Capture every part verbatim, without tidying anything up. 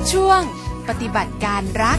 ช่วงปฏิบัติการรัก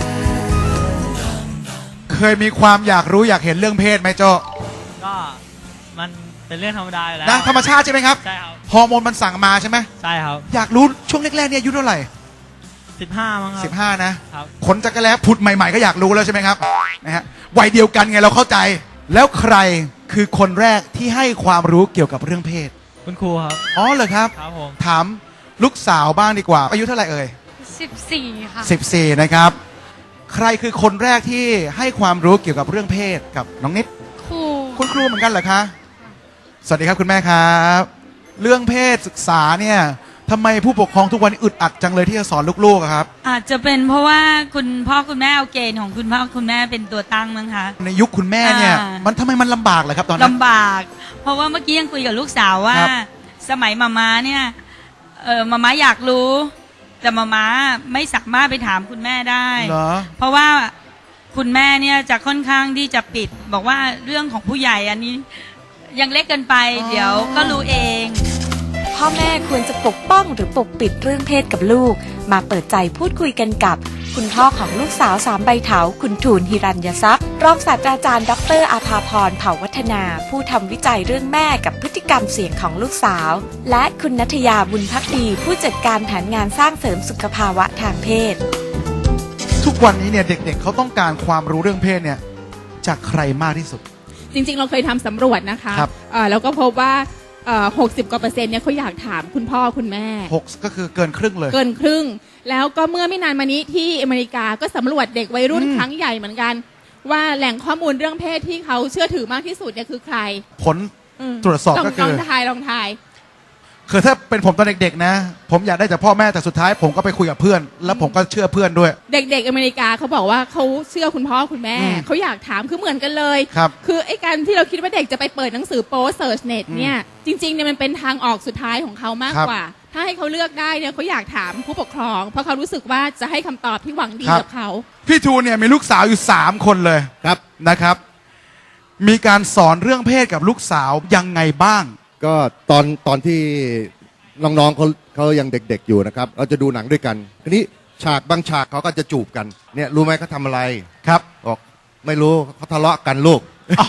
เคยมีความอยากรู้อยากเห็นเรื่องเพศไหมโจก็มันเป็นเรื่องธรรมดาอยู่แล้วนะธรรมชาติใช่ไหมครับใช่ครับฮอร์โมนมันสั่งมาใช่ไหมใช่ครับอยากรู้ช่วงแรกๆเนี่ยอายุเท่าไหร่สิบห้ามั้งครับสิบห้านะครับขนจักรแล้ผุดใหม่ๆก็อยากรู้แล้วใช่ไหมครับนะฮะวัยเดียวกันไงเราเข้าใจแล้วใครคือคนแรกที่ให้ความรู้เกี่ยวกับเรื่องเพศคุณครูครับอ๋อเหรอครับครับผมถามลูกสาวบ้างดีกว่าอายุเท่าไหร่เอ่ยสิบสี่ค่ะสิบสี่นะครับใครคือคนแรกที่ให้ความรู้เกี่ยวกับเรื่องเพศกับน้องนิดครูคุณครูเหมือนกันเหรอคะสวัสดีครับคุณแม่ครับเรื่องเพศศึกษาเนี่ยทำไมผู้ปกครองทุกวันอึดอัดจังเลยที่จะสอนลูกๆครับอาจจะเป็นเพราะว่าคุณพ่อคุณแม่เอาเกณฑ์ของคุณพ่อคุณแม่เป็นตัวตั้งมั้งคะในยุคคุณแม่เนี่ยมันทำไมมันลำบากเลยครับตอนนั้นลำบากเพราะว่าเมื่อกี้ยังคุยกับลูกสาวว่าสมัยมาม่าเนี่ยเออมาม่าอยากรู้แต่มาม่าไม่สามารถไปถามคุณแม่ได้เพราะว่าคุณแม่เนี่ยจะค่อนข้างที่จะปิดบอกว่าเรื่องของผู้ใหญ่อันนี้ยังเล็กเกินไปเดี๋ยวก็รู้เองพ่อแม่ควรจะปกป้องหรือปกปิดเรื่องเพศกับลูกมาเปิดใจพูดคุยกันกับคุณพ่อของลูกสาวสามใบเถาคุณทูลหิรัญยทรัพย์รองศาสตราจารย์ดรอาภาพรเผ่าวัฒนาผู้ทำวิจัยเรื่องแม่กับพฤติกรรมเสี่ยงของลูกสาวและคุณณัฐยาบุญภักดีผู้จัดการแผนงานสร้างเสริมสุขภาวะทางเพศทุกวันนี้เนี่ยเด็กๆ เขาต้องการความรู้เรื่องเพศเนี่ยจากใครมากที่สุดจริงๆเราเคยทำสำรวจนะคะแล้วก็พบว่าหกสิบกว่าเปอร์เซ็นต์เนี่ยเขาอยากถามคุณพ่อคุณแม่หกก็คือเกินครึ่งเลยเกินครึ่งแล้วก็เมื่อไม่นานมานี้ที่อเมริกาก็สำรวจเด็กวัยรุ่นครั้งใหญ่เหมือนกันว่าแหล่งข้อมูลเรื่องเพศที่เขาเชื่อถือมากที่สุดเนี่ยคือใครผลตรวจสอบก็คือลองทายลองทายคือถ้าเป็นผมตอนเด็กๆนะผมอยากได้จากพ่อแม่แต่สุดท้ายผมก็ไปคุยกับเพื่อนแล้วผมก็เชื่อเพื่อนด้วยเด็กๆอเมริกาเขาบอกว่าเขาเชื่อคุณพ่อคุณแม่เขาอยากถามคือเหมือนกันเลยครับคือไอ้การที่เราคิดว่าเด็กจะไปเปิดหนังสือโป๊เซิร์ชเน็ตเนี่ยจริงๆเนี่ยมันเป็นทางออกสุดท้ายของเขามากกว่าถ้าให้เขาเลือกได้เนี่ยเขาอยากถามผู้ปกครองเพราะเขารู้สึกว่าจะให้คำตอบที่หวังดีกับเขาพี่ทูเนี่ยมีลูกสาวอยู่สามคนเลยครับนะครับมีการสอนเรื่องเพศกับลูกสาวยังไงบ้างก็ตอนตอนที่น้องๆเขาเขายังเด็กๆอยู่นะครับเราจะดูหนังด้วยกันทีนี้ฉากบางฉากเขาก็จะจูบกันเนี่ยรู้ไหมเขาทำอะไรครับบอกไม่รู้เขาทะเลาะกันลูก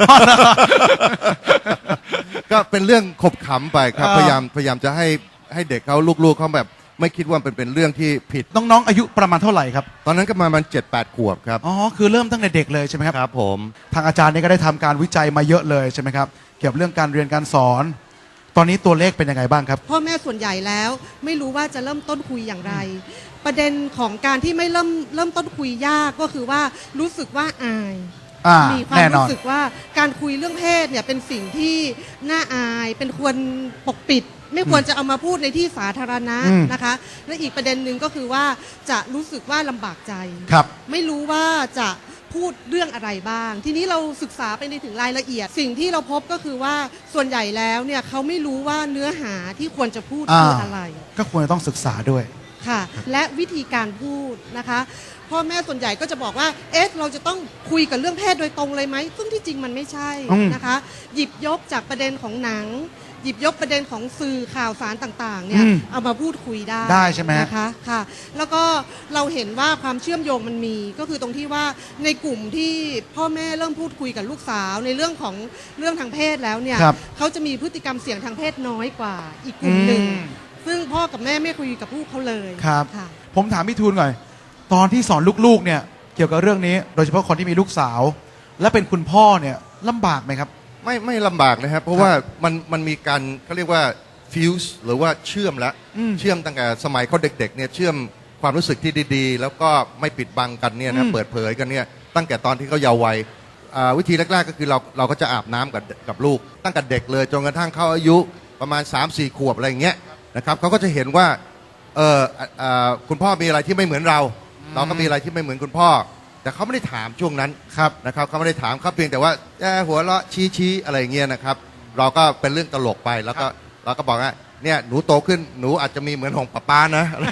ก็เป็นเรื่องขบขำไปครับพยายามพยายามจะให้ให้เด็กเขาลูกๆเขาแบบไม่คิดว่าเป็นเป็นเรื่องที่ผิดน้องๆอายุประมาณเท่าไหร่ครับตอนนั้นก็ประมาณเจ็ดแปดขวบครับอ๋อคือเริ่มตั้งแต่เด็กเลยใช่ไหมครับครับผมทางอาจารย์นี่ก็ได้ทำการวิจัยมาเยอะเลยใช่ไหมครับเกี่ยวกับเรื่องการเรียนการสอนตอนนี้ตัวเลขเป็นยังไงบ้างครับพ่อแม่ส่วนใหญ่แล้วไม่รู้ว่าจะเริ่มต้นคุยอย่างไรประเด็นของการที่ไม่เริ่มเริ่มต้นคุยยากก็คือว่ารู้สึกว่าอายมีความรู้สึกว่าการคุยเรื่องเพศเนี่ยเป็นสิ่งที่น่าอายเป็นควรปกปิดไม่ควรจะเอามาพูดในที่สาธารณะนะคะและอีกประเด็นหนึ่งก็คือว่าจะรู้สึกว่าลำบากใจไม่รู้ว่าจะพูดเรื่องอะไรบ้างทีนี้เราศึกษาไปในถึงรายละเอียดสิ่งที่เราพบก็คือว่าส่วนใหญ่แล้วเนี่ยเขาไม่รู้ว่าเนื้อหาที่ควรจะพูดคืออะไรก็ควรจะต้องศึกษาด้วยค่ะและวิธีการพูดนะคะพ่อแม่ส่วนใหญ่ก็จะบอกว่าเอ๊ะเราจะต้องคุยกับเรื่องเพศโดยตรงเลยไหมซึ่งที่จริงมันไม่ใช่นะคะหยิบยกจากประเด็นของหนังหยิบยกประเด็นของสื่อข่าวสารต่างๆเนี่ยเอามาพูดคุยได้ได้ใช่ไหมนะคะค่ะแล้วก็เราเห็นว่าความเชื่อมโยงมันมีก็คือตรงที่ว่าในกลุ่มที่พ่อแม่เริ่มพูดคุยกับลูกสาวในเรื่องของเรื่องทางเพศแล้วเนี่ยเขาจะมีพฤติกรรมเสี่ยงทางเพศน้อยกว่าอีกกลุ่มหนึ่งซึ่งพ่อกับแม่ไม่คุยกับลูกเขาเลยครับผมถามพี่ทูลหน่อยตอนที่สอนลูกๆเนี่ยเกี่ยวกับเรื่องนี้โดยเฉพาะคนที่มีลูกสาวและเป็นคุณพ่อเนี่ยลำบากไหมครับไม่ไม่ลำบากนะครับเพราะว่ามันมันมีการเขาเรียกว่าฟิวส์หรือว่าเชื่อมแล้วเชื่อมตั้งแต่สมัยเขาเด็กๆเนี่ยเชื่อมความรู้สึกที่ดีๆแล้วก็ไม่ปิดบังกันเนี่ยนะเปิดเผยกันเนี่ยตั้งแต่ตอนที่เขาเยาว์วัยวิธีแรกๆก็คือเราเราก็จะอาบน้ำกับกับลูกตั้งแต่เด็กเลยจนกระทั่งเขาอายุประมาณ สามสี่ ขวบอะไรอย่างเงี้ยนะครับเขาก็จะเห็นว่าเออคุณพ่อมีอะไรที่ไม่เหมือนเราเราก็มีอะไรที่ไม่เหมือนคุณพ่อแต่เขาไม่ได้ถามช่วงนั้นครับนะครับเขาไม่ได้ถามเขาเพียงแต่ว่าหัวเราะชี้ชี้อะไรเงี้ยนะครับเราก็เป็นเรื่องตลกไปแล้วก็เราก็บอกว่าเนี่ยหนูโตขึ้นหนูอาจจะมีเหมือนของป้าป้านะอะไร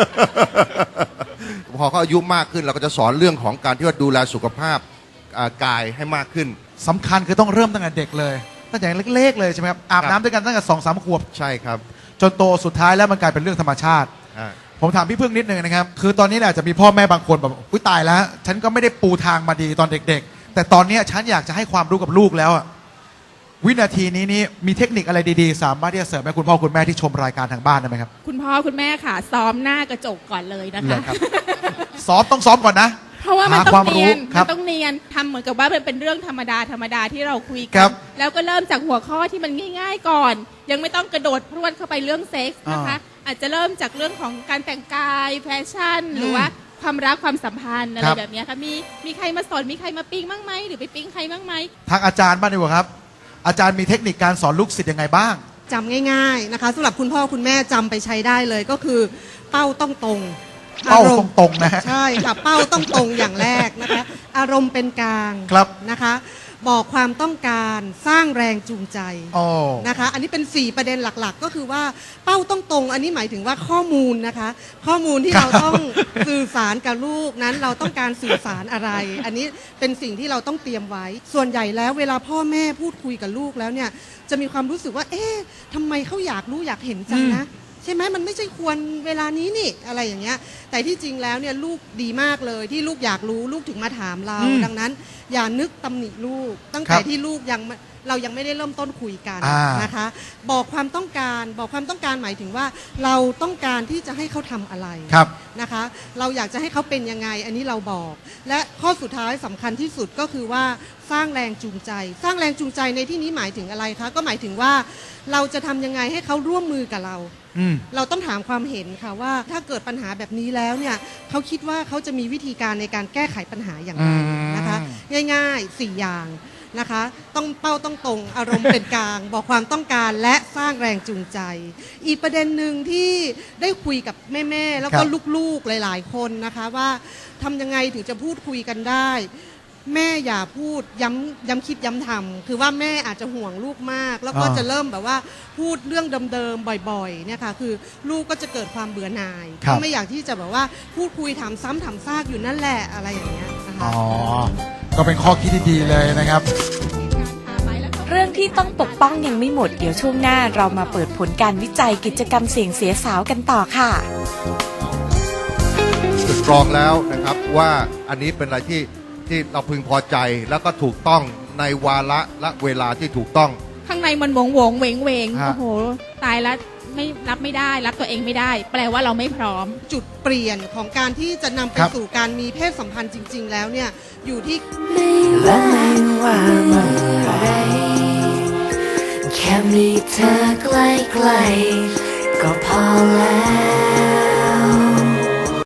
พอเขาอายุมากขึ้นเราก็จะสอนเรื่องของการที่ว่าดูแลสุขภาพกายให้มากขึ้นสำคัญคือต้องเริ่มตั้งแต่เด็กเลยตั้งแต่เล็กๆเลยใช่ไหมครับอาบน้ำด้วยกันตั้งแต่สองสามขวบใช่ครับจนโตสุดท้ายแล้วมันกลายเป็นเรื่องธรรมชาติผมถามพี่พึ่งนิดนึงนะครับ คือตอนนี้เนี่ยอาจจะมีพ่อแม่บางคนแบบอุ้ยตายแล้ว ฉันก็ไม่ได้ปูทางมาดีตอนเด็กๆ แต่ตอนเนี้ยฉันอยากจะให้ความรู้กับลูกแล้วอะวินาทีนี้นี่มีเทคนิคอะไรดีๆ สามารถที่จะเสริมให้คุณพ่อคุณแม่ที่ชมรายการทางบ้านได้ไหมครับคุณพ่อคุณแม่ค่ะ ซ้อมหน้ากระจกก่อนเลยนะเหรคะอครับ ซ้อมต้องซ้อมก่อนนะเพราะว่ามันหาต้ควาอมงรู้เนียนครัมับนต้องเนียนทำเหมือนกับว่ามันเป็นเรื่องธรรมดาธรรมดาที่เราคุยครักับ นแล้วก็เริ่มจากหัวข้อที่มันง่าย ๆก่อน ยังไม่ต้องกระโดดพรวดเข้าไปเรื่องเซ็กส์นะคะ อาจจะเริ่มจากเรื่องของการแต่งกายแฟชั่น หรือว่าความรักความสัมพันธ์อะไรครับแบบเนี้ยค่ะมีมีใครมาสอนมีใครมาปิ๊งบ้างไหมหรือไปปิ๊งใครบ้างไหมทางอาจารย์บ้างดีกว่าครับ อาจารย์มีเทคนิคการสอนลูกศิษย์ยังไงบ้างจำง่ายๆนะคะสำหรับคุณพ่อคุณแม่จำไปใช้ได้เลยก็คือเป้าต้องตรงเป้าอมณ์ตรงๆนะฮะใช่ค่ะเป้าต้องตรงอย่างแรกนะคะ อารมณ์เป็นกลางครับนะคะ บอกความต้องการสร้างแรงจูงใจโอ้นะคะ อันนี้เป็นสี่ประเด็นหลักๆ ก็คือว่าเป้าต้องตรง อันนี้หมายถึงว่าข้อมูลนะคะ ข้อมูลที่ครับเราต้องสื่อสารกับลูกนั้นเราต้องการสื่อสารอะไร อันนี้เป็นสิ่งที่เราต้องเตรียมไว้ ส่วนใหญ่แล้วเวลาพ่อแม่พูดคุยกับลูกแล้วเนี่ยจะมีความรู้สึกว่า เอ๊ะทำไมเขาอยากรู้อยากเห็นจังนะ ใช่ไหมมันไม่ใช่ควรเวลานี้นี่อะไรอย่างเงี้ยแต่ที่จริงแล้วเนี่ยลูกดีมากเลยที่ลูกอยากรู้ลูกถึงมาถามเราอืมดังนั้นอย่านึกตำหนิลูก ตั้งครัแต่บที่ลูกยังไม่เรายังไม่ได้เริ่มต้นคุยกันอ่านนะคะ บอกความต้องการบอกความต้องการหมายถึงว่า เราต้องการที่จะให้เขาทำอะไรครับนะคะ เราอยากจะให้เขาเป็นยังไง อันนี้เราบอก และข้อสุดท้ายสำคัญที่สุดก็คือว่าสร้างแรงจูงใจ สร้างแรงจูงใจในที่นี้หมายถึงอะไรคะก็หมายถึงว่าเราจะทำยังไงให้เขาร่วมมือกับเราอืมเราต้องถามความเห็นค่ะว่าถ้าเกิดปัญหาแบบนี้แล้วเนี่ยเขาคิดว่าเขาจะมีวิธีการในการแก้ไขปัญหาอย่างไรอืมนะคะ ง่ายๆสี่อย่างนะคะ ต้องเป้าต้องตรงอารมณ์เป็นกลาง บอกความต้องการและสร้างแรงจูงใจ อีกประเด็นหนึ่งที่ได้คุยกับแม่ๆแล้วก็ครับลูกๆหลายๆคนนะคะว่าทำยังไงถึงจะพูดคุยกันได้ แม่อย่าพูดย้ำย้ำคิดย้ำทำคือว่าแม่อาจจะห่วงลูกมาก แล้วก็อ่าจะเริ่มแบบว่าพูดเรื่องเดิมๆบ่อยๆเนี่ยค่ะคือลูกก็จะเกิดความเบื่อหน่ายครับก็ไม่อยากที่จะแบบว่าพูดคุยถามซ้ำถามซากอยู่นั่นแหละอะไรอย่างเงี้ยนะคะอ๋อ ก็เป็นข้อคิดที่ดีเลยนะครับเรื่องที่ต้องปกป้องยังไม่หมด เดี๋ยวช่วงหน้าเรามาเปิดผลการวิจัยกิจกรรมเสี่ยงเสียสาวกันต่อค่ะสตรองแล้วนะครับว่าอันนี้เป็นอะไรที่ที่เราพึงพอใจแล้วก็ถูกต้องในวาระและเวลาที่ถูกต้องข้างในมันหวงหวงเวงเวงฮะโอ้โหตายแล้วไม่รับไม่ได้รับตัวเองไม่ได้ แปลว่าเราไม่พร้อมจุดเปลี่ยนของการที่จะนำไปครับสู่การมีเพศสัมพันธ์จริง ๆ แล้วเนี่ยอยู่ที่และไม่ว่าเมื่อไรแค่มีเธอใกล้ๆก็พอแล้ว